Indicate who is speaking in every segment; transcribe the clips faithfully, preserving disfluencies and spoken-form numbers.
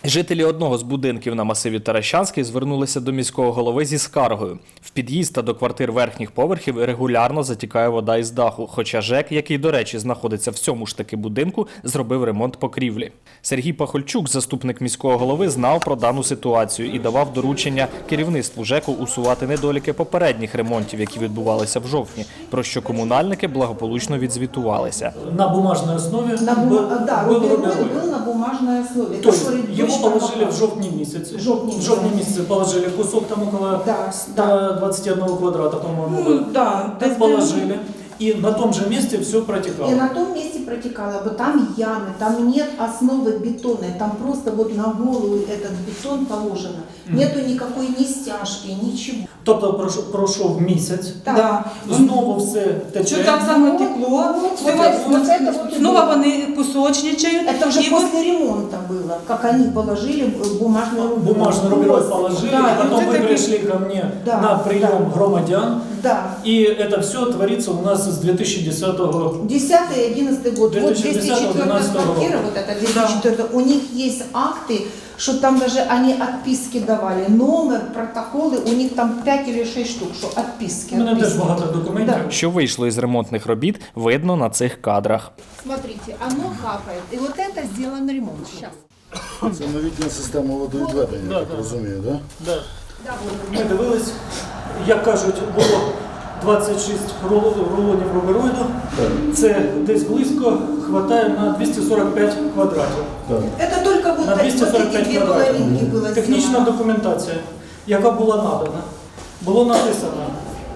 Speaker 1: Жителі одного з будинків на масиві Таращанський звернулися до міського голови зі скаргою. В під'їзд та до квартир верхніх поверхів регулярно затікає вода із даху, хоча ЖЕК, який, до речі, знаходиться в цьому ж таки будинку, зробив ремонт покрівлі. Сергій Пахольчук, заступник міського голови, знав про дану ситуацію і давав доручення керівництву ЖЕКу усувати недоліки попередніх ремонтів, які відбувалися в жовтні, про що комунальники благополучно відзвітувалися.
Speaker 2: На бумажной основе
Speaker 3: на бум...
Speaker 2: был,
Speaker 3: да,
Speaker 2: был
Speaker 3: рубероид
Speaker 2: рубероид.
Speaker 3: был на бумажной основе.
Speaker 2: То есть
Speaker 3: который
Speaker 2: его
Speaker 3: точно
Speaker 2: положили
Speaker 3: попал.
Speaker 2: в жовтні місяці.
Speaker 3: Жовтні
Speaker 2: В жовтні місяці положили кусок там около
Speaker 3: Да,
Speaker 2: ста двадцати одного квадрата, по-моему.
Speaker 3: Ну, да,
Speaker 2: так положили. И на том же месте все протекало.
Speaker 3: И на том месте протекало, бы там ямы, там нет основы бетонной, там просто вот на голову этот бетон положено. Mm. Нету никакой ни стяжки, ничего.
Speaker 2: Тобто пройшов, пройшов місяць,
Speaker 3: Да.
Speaker 2: знову все тече.
Speaker 4: Що там саме текло,
Speaker 3: Вот, вот, вот это вот
Speaker 4: знову вони пісочничають.
Speaker 3: Это уже
Speaker 4: і
Speaker 3: после ремонта было, как они положили бумажную рубероид.
Speaker 2: Бумажный рубероид положили,
Speaker 3: Да,
Speaker 2: и потом
Speaker 4: вот
Speaker 2: вы
Speaker 4: это
Speaker 2: пришли ко мне
Speaker 3: да,
Speaker 2: на прием
Speaker 3: да.
Speaker 2: громадян.
Speaker 3: Да.
Speaker 2: И это все творится у нас с две тысячи десятого.
Speaker 3: десятый и одиннадцатый год. Вот двести четвёртая квартира, вот это двести четвёртая, у них есть акты, что там даже они отписки давали. Номер, протоколи, у них там пять или шесть штук, що отписки.
Speaker 2: У мене теж багато документів.
Speaker 3: Да.
Speaker 1: Що вийшло із ремонтних робіт, видно на цих кадрах.
Speaker 5: Смотрите, оно капает. И вот это сделан ремонт сейчас.
Speaker 6: Це новітня система водовідведення, я так розумію, так?
Speaker 2: Да. Ми дивились, як кажуть, було двадцять шість рулонів рубероїду. Це десь близько хватає на двісті сорок п'ять квадратів.
Speaker 3: Это только вот,
Speaker 2: На двісті
Speaker 3: вот
Speaker 2: сорок
Speaker 3: эти
Speaker 2: п'ять
Speaker 3: две
Speaker 2: квадратів.
Speaker 3: половинки было
Speaker 2: Технічна
Speaker 3: сделано.
Speaker 2: документація, яка була надана, було написано,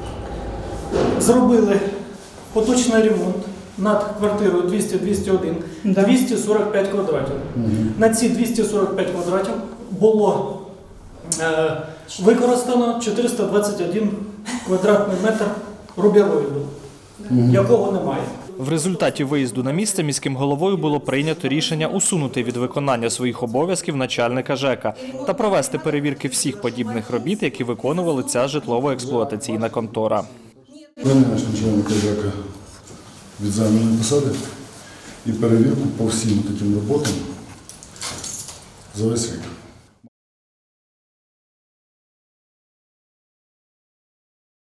Speaker 2: зробили поточний ремонт над квартирою двісті двісті один,
Speaker 4: Да.
Speaker 2: двісті сорок п'ять квадратів. На ці двісті сорок п'ять квадратів було е, використано чотириста двадцять один квадратний метр рубероїду, якого немає.
Speaker 1: В результаті виїзду на місце міським головою було прийнято рішення усунути від виконання своїх обов'язків начальника ЖЕКа та провести перевірки всіх подібних робіт, які виконували ця житлово-експлуатаційна контора.
Speaker 6: Звільняєш начальника ЖЕКа від займаної посади і перевірку по всім таким роботам за весь рік.